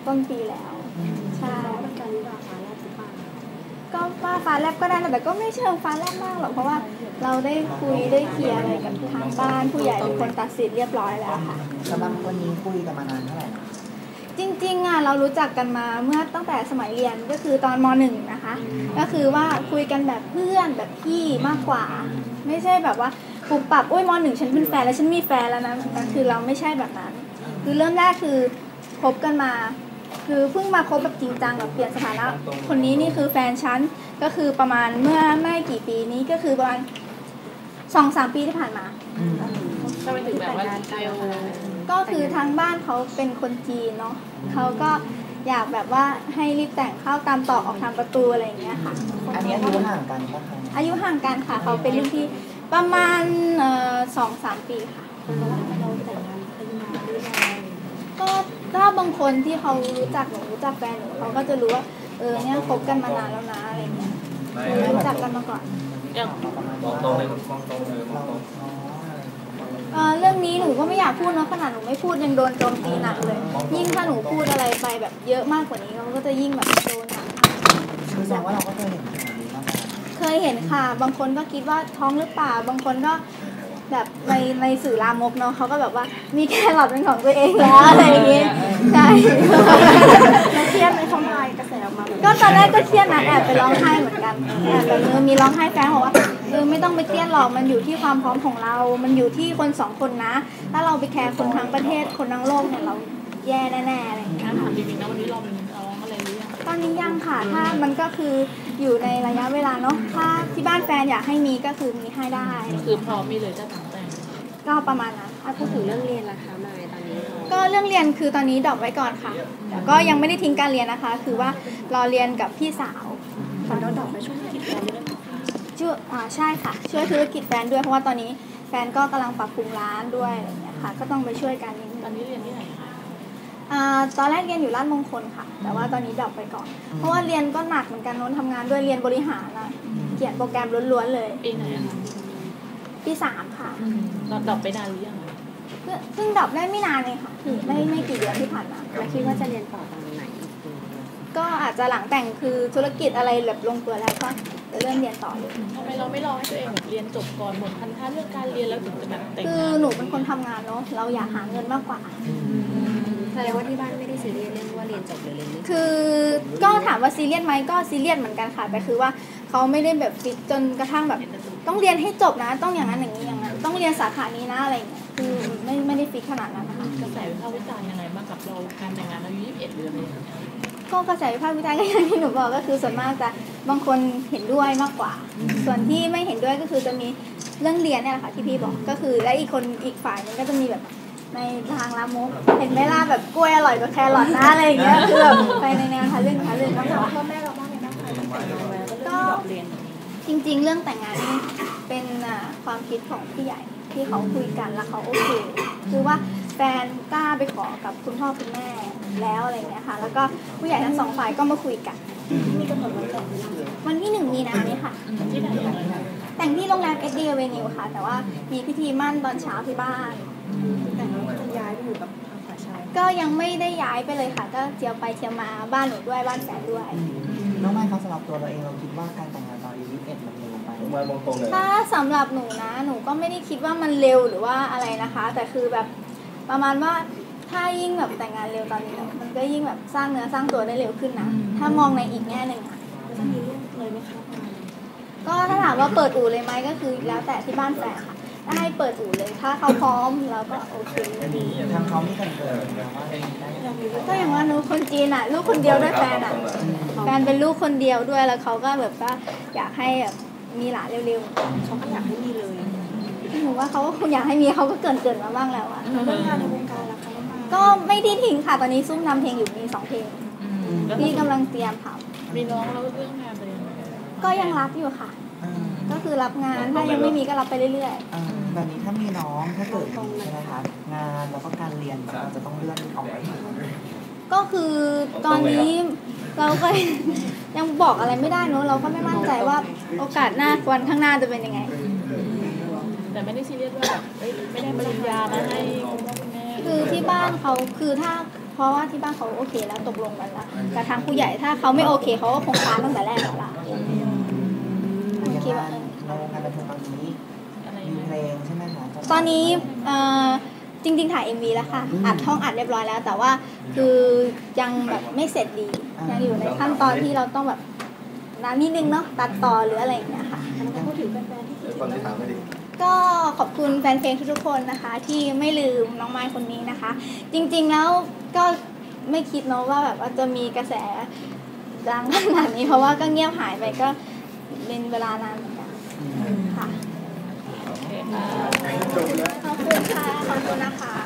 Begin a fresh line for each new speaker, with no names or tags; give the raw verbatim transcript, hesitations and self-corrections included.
ต้นปีแล้วใช่เป็นการวิวาฟ้าแลบหรือเปล่าก็ว่าฟ้าแลบก็ได้นะแต่ก็ไม่เชิงฟ้าแลบมากหรอกเพราะว่าเราได้คุยได้เคลียร์อะไรกับทางบ้านผู้ใหญ่เป็นคนตัดสินเรียบร้อยแล้วค่ะ
สำหรับวันนี้คุยกันมานานเท่าไหร่
จริงๆอ่ะเรารู้จักกันมาเมื่อตั้งแต่สมัยเรียนก็คือตอนม.หนึ่ง นะคะก็คือว่าคุยกันแบบเพื่อนแบบพี่มากกว่าไม่ใช่แบบว่าปุบปับโอ้ยม.หนึ่ง ฉันเป็นแฟนแล้วฉันมีแฟนแล้วนะคือเราไม่ใช่แบบนั้นคือเริ่มแรกคือคบกันมาคือเพิ่งมาคบแบบจริงจังแบบเปลี่ยนสถานะคนนี้นี่คือแฟนฉันก็คือประมาณเมื่อไม่กี่ปีนี้ก็คือประมาณสองสามปีที่ผ่านมา
ทำไมถึงแบบว่าเร็ว
ก็คือทางบ้านเขาเป็นคนจีนเนาะเขาก็อยากแบบว่าให้รีบแต่งเข้าตามตอกออกทางประตูอะไรอย่างเงี้ยค่ะ
อันนี้อายุห่างกันป่ะคะ
อายุห่างกันค่ะเขาเป็นรุ่นพี่ประมาณเอ่อสองสามปีค่ะเราแต่งงานอายุมาด้วยก็ถ้าบางคนที่เขารู้จักหนูรู้จักแฟนหนูเขาก็จะรู้ว่าเออเนี่ยคบกันมานานแล้วนะอะไรเงี้ยรู้จักกันมาก่อน
มองตรงเลยมองตรงเลยมองตรง
เรื่องนี้หนูก็ไม่อยากพูดเนาะขนาดหนูไม่พูดยังโดนโจมตีหนักเลยยิ่งถ้าหนูพูดอะไรไปแบบเยอะมากกว่านี้เขาก็จะยิ่งแบบโดนหนัก
คือแสดงว่าเราก็เคยเห็นข่าวนี้มา
เคยเห็นค่ะบางคนก็คิดว่าท้องหรือเปล่าบางคนก็แบบในในสื่อลามกเนาะเขาก็แบบว่ามีแครอทเป็นของตัวเองแล้วอะไรอย่างเงี้ยใช่แล้วเครียดในช่องไลน์กระแสออกมาก็ตอนแรกก็เครียดนะแอบไปร้องไห้เหมือนกันแอบแบบมีร้องไห้แฟนบอกว่าเออไม่ต้องไปเครียดหรอกมันอยู่ที่ความพร้อมของเรามันอยู่ที่คนสองคนนะถ้าเราไปแคร์คนทั้งประเทศคนทั้งโลกเนี่ยเราแย่แน่ๆอะไรอย่างเงี้ย
ถามจริงๆนะวันนี้เรามีร้องอะไรหรือยัง
ตอนนี้ยังค่ะถ้ามันก็คืออยู่ในระยะเวลาเนาะถ้าที่บ้านแฟนอยากให้มีก็คือมีให้ได้
คือพร้อมมีเลยจะแต่งแต่ง
ก็ประมาณนั้น
พูดถึงเรื่องเรียนล่ะคะมายตอนนี้
ก็เรื่องเรียนคือตอนนี้ดรอปไว้ก่อนค่ะแต่ก็ยังไม่ได้ทิ้งการเรียนนะคะคือว่ารอเรียนกับพี่สาว
ตอนเราดรอปไปช่วยธุรกิจแฟนด้วย
ช่วยอ่าใช่ค่ะช่วยธุรกิจแฟนด้วยเพราะว่าตอนนี้แฟนก็กำลังปรับปรุงร้านด้วยอะไรอย่างเงี้ยค่ะก็ต้องไปช่วยกันนิดนึง
ตอนนี้เรียนที่ไหนคะ
อ่าตอนแรกเรียนอยู่ราชมงคลค่ะแต่ว่าตอนนี้ดรอปไปก่อนเพราะว่าเรียนก็หนักเหมือนกันโน้นทำงานด้วยเรียนบริหารนะเขียนโปรแกรมล้วนๆเลย
ปีไหนอะคะ
ปีสามค่ะ
เราดรอปไปนานหรือยัง
เพิ่งดรอปได้ไม่นานเลยค่ะคือไม่ไม่กี่เดือนที่ผ่านมา
แล้วคิดว่าจะเรียนต่อตอนไหน
ก็อาจจะหลังแต่งคือธุรกิจอะไรแบบลงตัวแล้วก็จะเริ่มเรียนต่อเลย
ทำไมเราไม่รอให้ตัวเองแบบเรียนจบก่อนหมดพันธะเรื่องการเรียนแล้วถึงจะแบบแต่งงาน
คือหนูเป็นคนทำงานเนาะเราอยากหาเงินมากกว่า
แสดงว่าที่บ้านไม่ได้ซีเรียสเรื่องว่าเรียนจบหรือเรียนไม่
คือก็ถามว่าซีเรียสไหมก็ซีเรียสเหมือนกันค่ะแต่คือว่าเขาไม่ได้แบบฟิกจนกระทั่งแบบต้องเรียนให้จบนะต้องอย่างนั้นอย่างนี้อย่างนั้นต้องเรียนสาขานี้นะอะไรอย่างเงี้ยคือไม่ไม่ได้ฟิกขนาดนั้นนะคะ
กระแสวิพากษ์วิจารณ์ยังไงบ้างกับเราการแต่งงานอายุยี่สิบเอ็ดเดือนเลย
ก็กระแสวิพากษ์วิจารณ์ก็อย่างที่หนูบอกก็คือส่วนมากจะบางคนเห็นด้วยมากกว่าส่วนที่ไม่เห็นด้วยก็คือจะมีเรื่องเรียนเนี่ยแหละค่ะที่พี่บอกก็คือและอีกคนอีกฝ่ายนึงก็จะมีแบบในทางลามกเห็นไหมล่ะแบบกล้วยอร่อยกว่าแครอทนะอะไรอย่างเงี้ยคือแบบไปในแนวทะลึ่งทะลึ่งก็
ถามพ่อแม่เราบ้างไหมคะก็
จริงๆเรื่องแต่งงานนี่เป็นความคิดของผู้ใหญ่ที่เขาคุยกันแล้วเขาโอเคคือว่าแฟนกล้าไปขอกับคุณพ่อคุณแม่แล้วอะไรเงี้ยค่ะแล้วก็ผู้ใหญ่ทั้งสองฝ่ายก็มาคุยกัน
มีกำหนดวันแต่ง
วันที่หนึ่งมีนานี้ค่ะ
ที่ไหน
แต่งที่โรงแรมเอสดีเวนิวค่ะแต่ว่ามีพิธีมั่นตอนเช้าที่บ้าน
แต่งแล้วจะย้ายไปอยู่กับฝ่ายชาย
ก็ยังไม่ได้ย้ายไปเลยค่ะก็เที่ยวไปเที่ยวมาบ้านหนูด้วยบ้านแฟนด้วย
น้องไม้เขาสำหรับตัวเราเองเราคิดว่าการแต่งงานตอนอายุยี่สิบเอ็ดมันเร็วไป
ถ้าสำหรับหนูนะหนูก็ไม่ได้คิดว่ามันเร็วหรือว่าอะไรนะคะแต่คือแบบประมาณว่าถ้ายิ่งแบบแต่งงานเร็วตอนนี้มันก็ยิ่งแบบสร้างเนื้อสร้างตัวได้เร็วขึ้นนะถ้ามองในอีกแง่หนึ่งอ่ะ
จะมีเรื่องเลยไหมคะ
ก็ถ้าถามว่าเปิดอู่เลยไหมก็คือแล้วแต่ที่บ้านแฟนค่ะถ้าให้เปิดอู่เลยถ้าเขาพร้อมเราก็โอเค
ดีทางเขาไม่กันเกิด
ก็อย่างว่าหนูคนจีนอ่ะลูกคนเดียวด้วยแฟนอ่ะแฟนเป็นลูกคนเดียวด้วยแล้วเขาก็แบบว่าอยากให้แบบมีหลานเร็ว
ๆเขาก็อยากให้มีเลย
หนูว่าเขาก็คงอยากให้มีเขาก็เกินเกินมาบ้างแล้วอ่ะ
เรื่องงานในวงการล่ะคะ
ก็ไม่ได้ทิ้งค่ะตอนนี้ซุ่มทำเพลงอยู่มีสองเพลงที่กำลังเตรียมท
ำมีน้องแล้วเรื่องงานไปยังไง
ก็ยังรับอยู่ค่ะก็คือรับงานถ้ายังไม่มีก็รับไปเรื่อย
ๆแบบนี้ถ้ามีน้องถ้าเกิดใช่ไหมคะงานแล้วก็การเรียนเราจะต้องเลื่อนออกไป
ก็คือตอนนี้เราก็ยังบอกอะไรไม่ได้เนอะเราก็ไม่มั่นใจว่าโอกาสหน้าวันข้างหน้าจะเป็นยังไง
แต่ไม่ได้ซีเรียสว่าแบบไม่ได้ปริญญานะให้คุณพ่อคุณแม่
คือที่บ้านเขาคือถ้าเพราะว่าที่บ้านเขาโอเคแล้วตกลงกันแล้วแต่ทางผู้ใหญ่ถ้าเขาไม่โอเคเขาก็คงค้านตั้งแต่แรกแล้วล่ะ
อย่าง
คิดว่า
งานในวงการบันเทิงตอนนี้
อะไร
มี
นะ
เพลงใช่ไหมคะจะ
ตอนนี้เอ่อจริงๆถ่าย เอ็ม วี แล้วค่ะอัดท่องอัดเรียบร้อยแล้ว แต่ว่าคือยังแบบไม่เสร็จดียังอยู่ในขั้นตอนที่เราต้องแบบนานนิดนึงเนาะตัดต่อหรืออะไรอย่างเงี้ยค่ะ
พูดถึงแฟนๆที่คิด
ฟังที่ถามไม่ดี
ก็ขอบคุณแฟนเพลงทุกๆคนนะคะ ที่ไม่ลืมน้องไม้คนนี้นะคะ จริงๆแล้วก็ไม่คิดเนาะว่าแบบว่าจะมีกระแสดังขนาดนี้เพราะว่าก็เงียบหายไปก็เป็นเวลานานเหมือนกันค่ะ
โอเคค่ะ
ขอบคุณค่ะขอบคุณนะคะ